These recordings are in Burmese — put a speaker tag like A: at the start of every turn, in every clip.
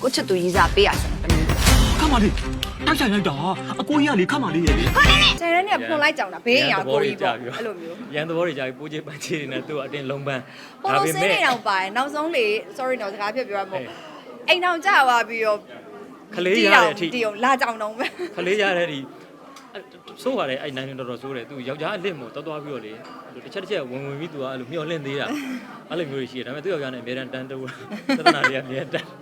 A: ကိုချစ်သူကြီးစားပေးရစမ်းတမီး
B: ခမလေးတိုက်ဆိုင်လိုက်တာအကိုကြီးကလေခမလေးရဲ့လေ
A: ဆယ်ရက်နဲ့ဖွန်လိုက်ကြောင်တာဘေးရင်ကိုကြီးပေါ့အဲ့လိုမျိုး
C: ရန်သဘောတွေကြာပြီးပိုးချေပန်းချေတွေနဲ့သူ့အတင်းလုံးပန်း
A: ပေါ်လို့စင်းနေတော့ပါတယ်နောက်ဆုံးလေ sorry တော့စကားဖြစ်ပြောရမို့အိမ်အောင်ကြာသွားပြီးတော့
C: ခလေးရတဲ့အထိ
A: တီအောင်လာကြောင်တော့ပဲ
C: ခလေးရတဲ့ဒီဆိုးပါတယ်အဲ့နိုင်တော်တော်ဆိုးတယ်သူယောက်ျားအလစ်မို့တော်တော်ပြီးတော့လေတစ်ချက်တစ်ချက်ဝင်ပြီးသူကအဲ့လိုမျောလင့်သေးတာအဲ့လိုမျိုးရှိတယ်ဒါပေမဲ့သူ့ယောက်ျားနဲ့အများတန်းတန်းတူသဒ္ဒနာတွေကအများတန်း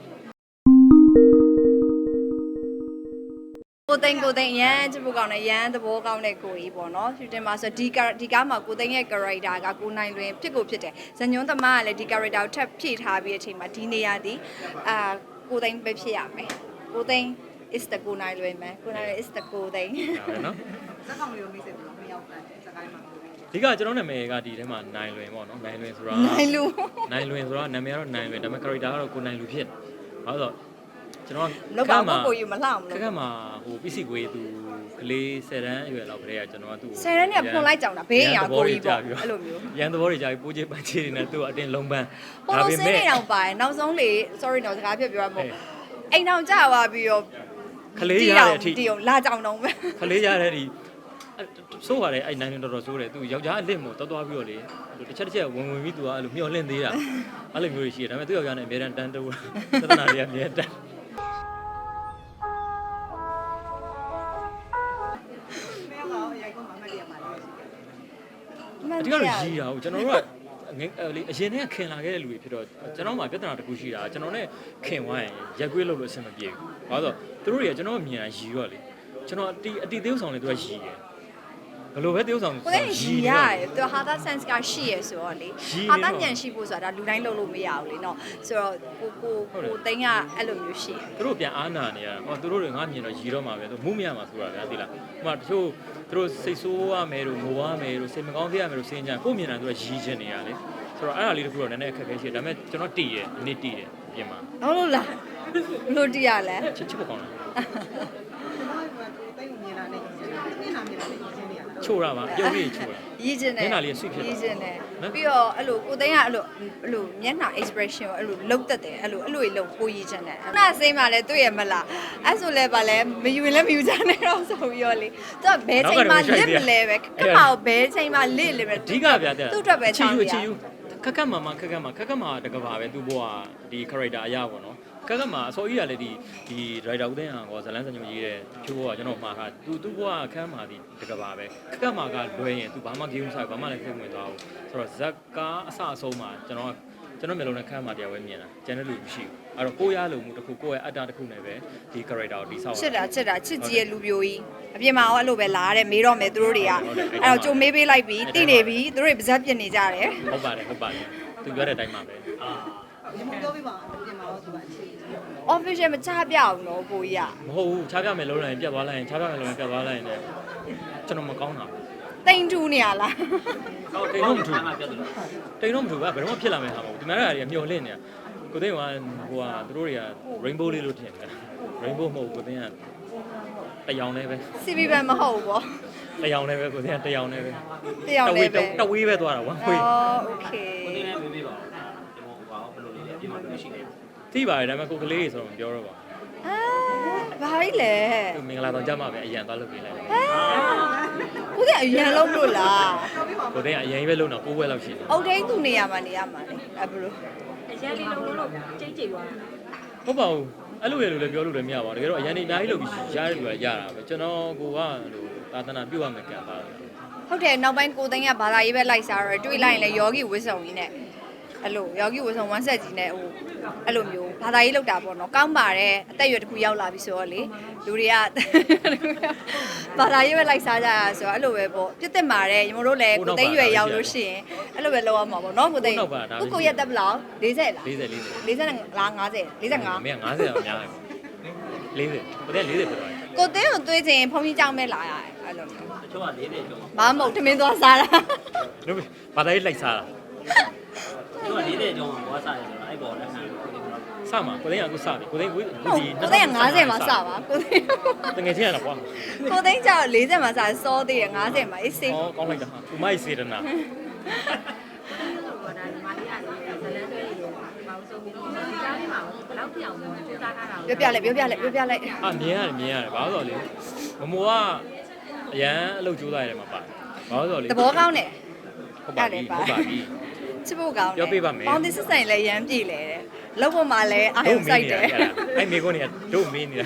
A: ကိုသိန်းရမ်းချစ်ဖို့ကောင်းတဲ့ရမ်းသဘောကောင်းတဲ့ကိုကြီးပေါ့နော်ရှူတင်မှာဆိုဒီကားမှာကိုသိန်းရဲ့ character ကကိုနိုင်လွင်ဖြစ်ကိုဖြစ်တယ်ဇညွန်းသမားကလည်းဒီ character ကိုထပ်ဖြည့်ထားပြီးတဲ့အချိန်မှာဒီနေရာဒီကိုသိန်းပဲဖြစ်ရမယ်ကိုသိန်း is the ကိုနိုင်လွင်မယ်ကိုနိုင်လွင် is the ကိုသိန်း
C: ဟုတ်နော်
D: ဇက်ကောင်လေးကိုမိတ်ဆက်ပြီးတော့မရောက်ဘူးစကိုင်းမှာ
C: ဒီကကျွန်တော်နာမည်ကဒီထဲမှာနိုင်လွင်ပေါ့နော်နိုင်လွင်ဆိုတာ
A: နိုင်လူ
C: နာမည်ကတော့နိုင်လွင်ဒါပေမဲ့ character ကတော့ကိုနိုင်လူဖြစ်ဘာလို့ကျွန်တော်
A: လောက်ပါကိုယူမလှအောင်လို့
C: ခက်မှာဟိုပစ္စည်းကွေးသူကလေး10တန်းအရွယ်လောက်ခရေကကျွန်တော်ကသူ့
A: 10တန်းနဲ့ဖွန်လိုက်ကြောင်တာဘေးရင်ကိုကြီးပေါ့အဲ့လိုမျိုး
C: ရန်သဘောတွေကြာပြီးပိုးချေပန်းချေတွေနဲ့သူ့အတင်းလုံးပန်း
A: ပေါ်လို့စင်းနေတော့ပါတယ်နောက်ဆုံးလေ sorry တော့စကားဖြစ်ပြောရမို့အိမ်အောင်ကြာသွားပြီးတော့
C: ခလေးရတဲ့အထိ
A: တီအောင်လာကြောင်တော့ပဲ
C: ခလေးရတဲ့ဒီဆိုးပါတယ်အဲ့နိုင်တော်တော်ဆိုးတယ်သူယောက်ျားအလစ်မို့တော်တော်ပြီးတော့လေတစ်ချက်တစ်ချက်ဝင်ပြီးသူကအဲ့လိုမျောလင့်သေးတာအဲ့လိုမျိုးရှိတယ်ဒါပေမဲ့သူ့ယောက်ျားနဲ့အများတန်းတန်းတူသဒ္ဒနာတွေကအများတန်းအဓိကတော့ရီးတာဟုတ်ကျွန်တော်တို့ကလေအရင်တည်းကခင်လာခဲ့တဲ့လူတွေဖြစ်တော့ကျွန်တော်မှပြဿနာတစ်ခုရှိတာကျွန်တော်နဲ့ခင်ဝိုင်းရက်ကွေးလို့အဆင်မပြေဘူး။ဘာလို့ဆိုတော့သူတို့တွေကကျွန်တော်မြင်တာရီရောလေကျွန်တော်အတီသေးဆောင်နေသူကရီတယ်ဘယ်လိုပဲသေးဆောင်
A: ကိုယ်ရီရတယ်သူဟာသာ sense ကရှိရဆိုတော့လေဟာသာညံရှိဖို့ဆိုတာဒါလူတိုင်းလုပ်လို့မရဘူးလေနော်ဆိုတော့ကိုသိန်းကအဲ့လိုမျိုးရှိ
C: သူတို့ပြန်အားနာနေရဟောသူတို့တွေငါမြင်တော့ရီတော့မှာပဲသူမှုမရမှာဆိုတာဗျာသိလားဟိုမှာတချို့သူတို့စိတ်ဆိုးရမယ်လို့ငိုရမယ်လို့စိတ်မကောင်းဖြစ်ရမယ်လို့စဉ်းကြကိုမြင်တာသူကရီချင်နေရလေဆိုတော့အဲ့ဒါလေးတခုတော့နည်းနည်းအခက်အခဲရှိတယ်ဒါပေမဲ့ကျွန်တော်တည်ရအနေတည်တယ်ပြင်မှာ
A: ဟုတ်လို့လားလို့တည်ရလဲ
C: ချစ်ဖို့ကောင်းလား
D: တိတ်ကိုမြင်လာနေမျက်နှာမြင်လာနေရင်းနေရတာ
C: ချိုးရပါပြုံးလေးချိုးရ
A: ရည်ကျင်တယ်
C: မျက်နှာလေးဆွဖြစ်
A: ရည်ကျင်တယ်ပြီးတော့အဲ့လိုကိုသိန်းကအဲ့လိုမျက်နှာ expression ကိုအဲ့လိုလှုပ်တက်တယ်အဲ့လိုလှုပ်ကိုရည်ကျင်တယ်အဲ့ဒါစိမ့်မှလည်းတွေ့ရမလားအဲ့ဆိုလဲပါလဲမယူရင်လည်းမယူကြနဲ့တော့ဆိုပြီးတော့လေသူကဘဲချိန်မှလစ်မလဲပဲကမကိုဘဲချိန်မှလစ်လေပဲ
C: အဓိကဗျာတဲ့
A: သူ့အတွက်ပဲချောင်းရ
C: ခက်ခက်မှာတကဘာပဲသူ့ဘဝဒီ character အရာပေါ့နော်ခက်ခက်မှာအစောကြီးကလည်းဒီ writer ဦးသိန်းအောင်ကဇလန်းစံညွှန်ရေးတဲ့ဖြိုးဘဝကျွန်တော်မှားတာသူ့ဘဝခန်းမှာဒီတကဘာပဲခက်ခက်မှာကလွဲရင်သူဘာမှ game ဆိုင်ဘာမှလည်းဖိတ်ဝင်သွားဘူးဆိုတော့ဇက်ကားအစအဆုံးမှာကျွန်တော်မျိုးလုံးနဲ့ခန်းမှာတရားဝဲမြင်တာကျန်တဲ့လူမရှိဘူးအဲ့တော့ကိုရလို့မှုတစ်ခုကိုယ့်ရဲ့အတ္တတစ်ခုနဲ့ပဲဒီ character ကိုတိဆောက်
A: ချစ်တာချစ်ကြီးရဲ့လူပြိုကြီးအပြင်မှာရောအဲ့လိုပဲလာတဲ့မေးတော့မယ်သူတို့တွေကအဲ့တော့ကြုံမေးပေးလိုက်ပြီးတိနေပြီသူတို့တွေပါဇက်ပြစ်နေကြတယ်
C: ဟုတ်ပါတယ်သူပြောတဲ့အတိုင်းပါပဲ
D: ဒီမှာပြောပြပါပြင်မှာတော့သူကအခြေ
A: official မချပြအောင်တော့ကိုကြီး
C: မဟုတ်ဘူးချပြမယ်လုံးလိုက်ပြတ်သွားလိုက်ရင်ချပြမယ်လုံးလိုက်ပြတ်သွားလိုက်ရင်လည်းကျွန်တော်မကောင်းတာ
A: တိန်ထူးနေရလား
C: ဟုတ်တိန်တော့မထူးတိန်တော့မထူးကဘယ်တော့မှဖြစ်လာမယ်ဟာမဟုတ်ဒီမှာတွေကမျောလင့်နေတာကိုသိန်းကဟိုကသူတို့တွေက rainbow လေးလို့ထင်တယ် rainbow မဟုတ်ကိုသိန်းကတရောင်လေးပဲ
A: CB ပဲမဟုတ်ဘူးပေါ့
C: တရောင်လေးပဲကိုသိန်းကတရောင်လေးပဲတဝေးပဲသွားတာဝမ်းခွေး
A: โอเค
E: ကိုသိန်းလည်းမေးပေးပါဦးဒီမောဟိုပါဘယ်လိုလေးလဲဒီမှာပြောရှိနေ
C: သိပါတယ်ဒါပေမဲ့ကိုကလေးဆိုတော့မပြောတော့ပါ
A: ဘာကြီးလဲ
C: သူမင်္ဂလာဆောင်ကြမှာပဲအရန်သွားလုပ်ပေးလိုက်တယ်
A: ကိုသိအရန်လုံးလို့လား
C: ကိုသိအရန်ကြီးပဲလုံးတော့9ဘွဲလောက်ရှိတယ်
A: အုတ်ထိန်သူနေရမှာလေအဲ့ဘယ်လို
E: အရန်လေးလုံးလို့ကျိတ်သွား
C: ဟုတ်ပါဘူးအဲ့လိုရလို့လည်းပြောလို့လည်းမရပါဘူးတကယ်တော့အရန်နေအများကြီးလုပ်ပြီးရတဲ့လူကရတာပဲကျွန်တော်ကိုကလို့သာသနာပြုတ်ရမယ်ကံပါတယ်
A: ဟုတ်တယ်နောက်ပိုင်းကိုသိန်းကဘာသာရေးပဲလိုက်စားတော့တွေ့လိုက်ရင်လည်းယောဂီဝစ်စုံကြီးနဲ့အဲ့လိုယောဂီဝစ်စုံဝမ်းဆက်ကြီးနဲ့ဟိုအဲ့လိုမျိုးဘာသာရေးလောက်တာပေါ့နော်ကောင်းပါတယ်အသက်အရွယ်တစ်ခုရောက်လာပြီဆိုတော့လေလူတွေကဘာသာရေးပဲလိုက်စားကြတာဆိုတော့အဲ့လိုပဲပေါ့ပြစ်တက်ပါတယ်ညီမတို့လည်းကိုသိန်းရွယ်ရောက်လို့ရှိရင်အဲ့လိုပဲလုပ်ရမှာပေါ့နော်ကိုသိန်းကိုရက်တက်ဘလောက်40လား40လား50 45
C: မင်း50တော့များတယ်40ကိုသိန်း40ဖြစ်သွားတယ်
A: ကိုသိန်းကိုတွေးချင်ဖုန်းကြီးကြောင်းမဲ့လာရတယ်အဲ့လိုမျိုး
E: တချို့က40ကျော်
A: ဘာမဟုတ်ထမင်းသွားစားတာ
C: တို့ဘာသာရေးလိုက်စားတာ
E: သူက40ကျော်မှာဘောစားတယ်ဆိုတော့အဲ့ပေါ်လက်ခံ
C: စမှာကိုသိန်းကအခုစပြီကိုသိန်း
A: ကိုသိန်း50မှာစပါကိုသိန်း
C: တကယ်ချင်းရတာကွာ
A: ကိုသိန်းကျတော့40မှာစစောသေးတယ်50မှာအေးစေး
C: ဟောကောင်းလိုက်တာဟာဥမိုက်စေတနာ
E: ဘောဒါဒီမာလီယာဇလန်တွေရေမောင်ဆုံးပြီးဒီကားလေးမှာဘယ်လောက်
A: ပြောပြလိုက်
C: အာမြင်ရတယ်ဘာလို့လဲမမိုကအရန်အလုပ်ကြိုးစားရတယ်မှာပါဘာလို့လဲ
A: သဘောကောင်းတယ်
C: ဟုတ်ပါပြီ
A: ချစ်ဖို့ကောင်း
C: ပြောပြပါမယ်
A: ပေါင်းသစ်စစ်ဆိုင်လည်းရမ်းပြည်လေတဲ့လောက်ပေါ်မှာလည်းအာရုံစိုက်တယ်
C: အဲ့မေကုန်းနေတို့မင်းနေတာ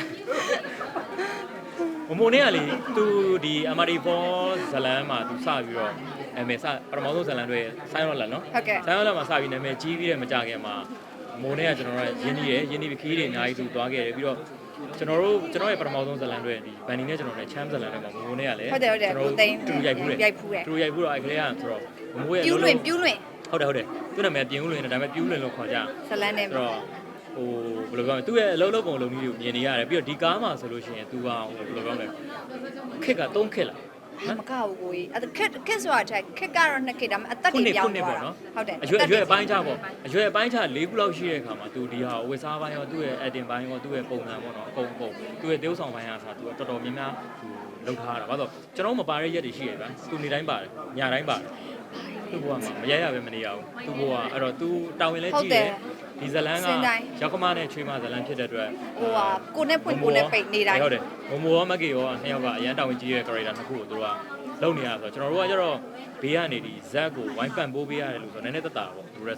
C: မမိုနဲ့ကလေသူဒီ MRD4 ဇလန်မှာသူစပြီးတော့အမေစပထမဆုံးဇလန်တွေဆိုင်းရောလာနော်
A: ဟုတ်ကဲ့
C: ဆိုင်းရောလာမှာစပြီးနာမည်ကြီးပြီးတဲ့မကြခင်မှာမိုနဲ့ကကျွန်တော်တို့ရင်းနှီးပြီးခီးတွေအများကြီးသူသွားခဲ့တယ်ပြီးတော့ကျွန်တော်ရဲ့ပထမဆုံးဇလန်တွေဒီဘန်နီနဲ့ကျွန်တော်နဲ့ချမ်းဇလန်တွေမှာမိုနဲ့ကလည်း
A: ဟုတ်တယ်ကိုသိန်း
C: တူရိုက်ဘူးတယ်
A: ရိုက်ဖူးတယ်
C: တူရိုက်ဘူးတော့အဲ့ကလေးကဆိုတော့မိုရဲ့
A: ပြူးလွင်
C: ဟုတ်တယ်သူ့နာမည်ပြင်းဦးလွင်တယ်ဒါပေမဲ့ပြူးလွင်လို့ခေါ်ကြ
A: ဇလန်းနဲ့
C: ဆိုတော့ဟိုဘယ်လိုပြောမလဲသူ့ရဲ့အလုံးလုံးပုံလုံးကြီးကိုမြင်နေရတယ်ပြီးတော့ဒီကားမှာဆိုလို့ရှိရင်သူကဟိုဘယ်လိုပြောမလဲခက်က3ခက်လား
A: မကဘူးကိုကြီးအဲ့ခက်ဆိုတာချက်ခက်ကတော့နှစ်ခက်ဒါပေမဲ့အသက်တွေပြောင်းသွားတာဟုတ်တယ်
C: အရွယ်အပိုင်းချပေါ့အရွယ်အပိုင်းချ4ခုလောက်ရှိတဲ့အခါမှာသူဒီဟာဝစ်စားပိုင်းရောသူ့ရဲ့ acting ပိုင်းရောသူ့ရဲ့ပုံစံပေါ့နော်အကုန်သူ့ရဲ့သေုပ်ဆောင်ပိုင်းအားဆိုသူတော်တော်များများသူလုပ်ထားတာဘာလို့ကျွန်တော်မပါတဲ့ရက်တွေရှိရဗျာသူနေတိုင်းပါတယ်ညတိုင်းပါတယ်သူ့ဘဝမှာမရရပဲမနေရဘူးသူ့ဘဝအဲ့တော့သူတာဝန်လဲကြည့်တယ်ဒီဇလန်းကရောက်ခမနဲ့ချွေးမဇလန်းဖြစ်တဲ့အတွက်
A: ဟိုဟာကိုနဲ့ဖွင့်ကိုနဲ့ပိတ်နေတိုင်း
C: ဟုတ်တယ်မမိုရောမက်ကေရောနှစ်ယောက်ကအရန်တာဝန်ကြီးရဲ့ character နှစ်ခုကိုသူတို့ကလုပ်နေရဆိုတော့ကျွန်တော်တို့ကကျတော့ဘေးကနေဒီဇက်ကိုဝိုင်းပန့်ပိုးပေးရတယ်လို့ဆိုတော့နည်းနည်းသက်သာပေါ့သူတို့